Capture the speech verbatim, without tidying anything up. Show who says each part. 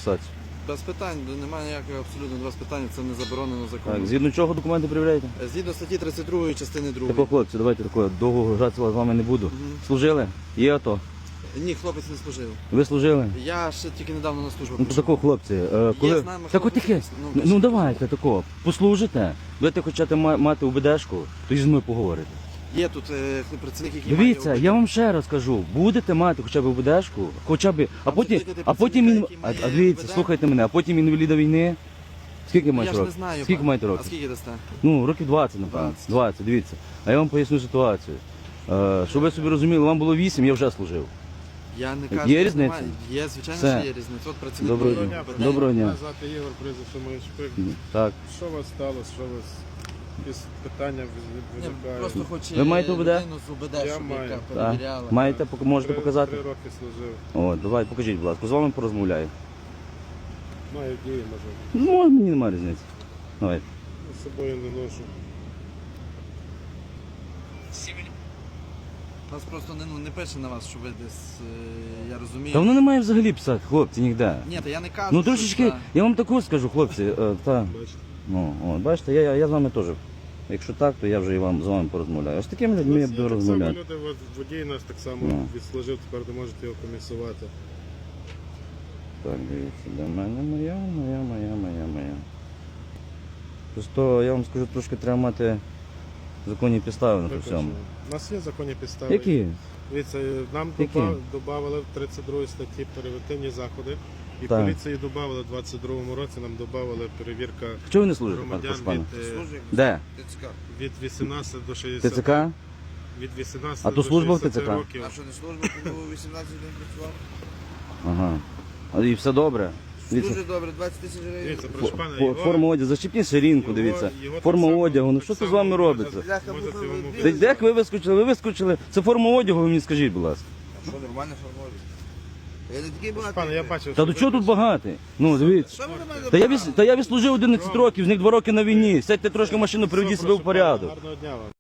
Speaker 1: фіксацію.
Speaker 2: Без питань, немає ніякого абсолютно без питань, це не заборонено законом.
Speaker 1: Так, згідно чого документи перевіряєте?
Speaker 2: Згідно статті тридцять другої частини другої.
Speaker 1: Тако, хлопці, давайте такого, довго гратися з вами не буду.
Speaker 2: Мгм.
Speaker 1: Служили? Є АТО?
Speaker 2: Ні, хлопець не служив.
Speaker 1: Ви служили?
Speaker 2: Я ще тільки недавно на службу
Speaker 1: Ну,
Speaker 2: прийшов.
Speaker 1: тако, хлопці, е, коли...
Speaker 2: знаємо,
Speaker 1: Так
Speaker 2: що
Speaker 1: от таке,
Speaker 2: ну,
Speaker 1: ну,
Speaker 2: кажіть.
Speaker 1: давайте тако, послужите, будете хочете ма- мати УБДшку, то і зі мною поговорите.
Speaker 2: Є тут е, працівник, який
Speaker 1: Дивіться,
Speaker 2: має
Speaker 1: я вам ще раз кажу, будете мати хоча б УБДшку, хоча б, а
Speaker 2: Там
Speaker 1: потім,
Speaker 2: сидить
Speaker 1: а потім
Speaker 2: працівника,
Speaker 1: він,
Speaker 2: який
Speaker 1: а,
Speaker 2: має
Speaker 1: а дивіться,
Speaker 2: УБД.
Speaker 1: слухайте мене, а потім інваліда війни, скільки
Speaker 2: Я
Speaker 1: маєте
Speaker 2: ж не
Speaker 1: років?
Speaker 2: знаю.
Speaker 1: Скільки
Speaker 2: пан.
Speaker 1: маєте
Speaker 2: А
Speaker 1: років?
Speaker 2: скільки дасте?
Speaker 1: Ну, років двадцять, напевно.
Speaker 2: двадцять.
Speaker 1: двадцять, дивіться. А я вам поясню ситуацію. Е, щоб ви собі розуміли, вам було вісім, я вже служив.
Speaker 2: Я не
Speaker 1: Є
Speaker 2: кажу, що
Speaker 1: різниця?
Speaker 2: немає. Є, звичайно,
Speaker 1: Все.
Speaker 2: що є різниця. От працівник
Speaker 1: Доброго
Speaker 2: має
Speaker 1: дня.
Speaker 2: УБД.
Speaker 1: Доброго дня.
Speaker 3: Мене звати Ігор, прізвище моє Шпик.
Speaker 1: Так.
Speaker 3: Що у вас сталося? Що у вас? Якісь питання
Speaker 2: Ні,
Speaker 3: виникають?
Speaker 2: просто хоче
Speaker 1: Ви маєте УБД?
Speaker 2: людину з УБД,
Speaker 3: Я
Speaker 2: щоб
Speaker 3: маю.
Speaker 2: яка
Speaker 3: Так.
Speaker 2: перевіряла.
Speaker 1: Маєте, пок- можете
Speaker 3: Три-
Speaker 1: показати?
Speaker 3: Три роки служив.
Speaker 1: О, давай, покажіть, будь ласка, з вами порозмовляю.
Speaker 3: Маю дії, може.
Speaker 1: Ну, мені немає різниці. Давай.
Speaker 3: З собою не ношу.
Speaker 2: Нас просто не, ну, не пише на вас, що ви десь, е, я розумію.
Speaker 1: Та воно не має взагалі писати, хлопці, ніде.
Speaker 2: Ні, та я не кажу,
Speaker 1: Ну
Speaker 2: що
Speaker 1: трошечки,
Speaker 2: це-
Speaker 1: я вам таку скажу, хлопці, е, та,
Speaker 3: Бачите?
Speaker 1: ну, от, бачите, я, я, я з вами теж. Якщо так, то я вже і вам з вами порозмовляю. А з такими людьми я
Speaker 3: Нас
Speaker 1: буду
Speaker 3: є так само
Speaker 1: розмовляти.
Speaker 3: люди, от водій нас так само
Speaker 1: Ну.
Speaker 3: відслужив, тепер не можете його комісувати.
Speaker 1: Так, дивіться, де в мене моя, моя, моя, моя, моя. Просто я вам скажу, трошки треба мати законні підстави на то всьому.
Speaker 3: Виконано. У нас є законні підстави.
Speaker 1: Які?
Speaker 3: Дивіться, нам
Speaker 1: Які?
Speaker 3: додали в тридцять другій статті превентивні заходи. І
Speaker 1: Так.
Speaker 3: поліції додали в двадцять другому році, нам додали перевірка
Speaker 1: Чого ви не служите, пан
Speaker 3: громадян
Speaker 1: Пашпан?
Speaker 3: від, е,
Speaker 2: Служить
Speaker 1: Де?
Speaker 2: ТЦК.
Speaker 3: від вісімнадцяти до шістдесяти.
Speaker 1: ТЦК?
Speaker 3: Від вісімнадцяти
Speaker 1: А то
Speaker 3: до
Speaker 1: служба в
Speaker 3: шістдесяти
Speaker 1: ТЦК?
Speaker 3: років.
Speaker 2: А що не служба, коли вісімнадцять днів працював?
Speaker 1: Ага. А, і все добре. Дивіться,
Speaker 2: Дуже добре, двадцять тисяч гривень.
Speaker 3: Дивіться,
Speaker 1: фо-
Speaker 3: прошу пана,
Speaker 1: фо-
Speaker 3: його-
Speaker 1: форма одягу, зачепіть ширинку,
Speaker 3: його-
Speaker 1: дивіться.
Speaker 3: його так
Speaker 1: Форма
Speaker 3: само-
Speaker 1: одягу, ну
Speaker 3: так
Speaker 1: що це з
Speaker 3: само
Speaker 1: вами
Speaker 3: можна-
Speaker 1: робиться?
Speaker 2: Бляха,
Speaker 3: можна
Speaker 2: муха,
Speaker 3: цьому
Speaker 2: ви-
Speaker 1: Та як ви вискочили? Ви вискочили. Це форма одягу, ви мені скажіть, будь ласка.
Speaker 2: А що, нормально формують? Я не такий
Speaker 3: Прошу
Speaker 2: багатий.
Speaker 3: пана, я бачив,
Speaker 1: Та
Speaker 3: що
Speaker 1: до
Speaker 3: ви
Speaker 1: чого тут багатий? Ну, дивіться.
Speaker 2: Що ви на мене
Speaker 1: Та я,
Speaker 2: брали?
Speaker 1: віс- та я відслужив одинадцять років, з них два роки на війні. Сядьте трошки в машину, приведіть себе в
Speaker 3: Прошу пана,
Speaker 1: порядок.
Speaker 3: Гарного дня вам.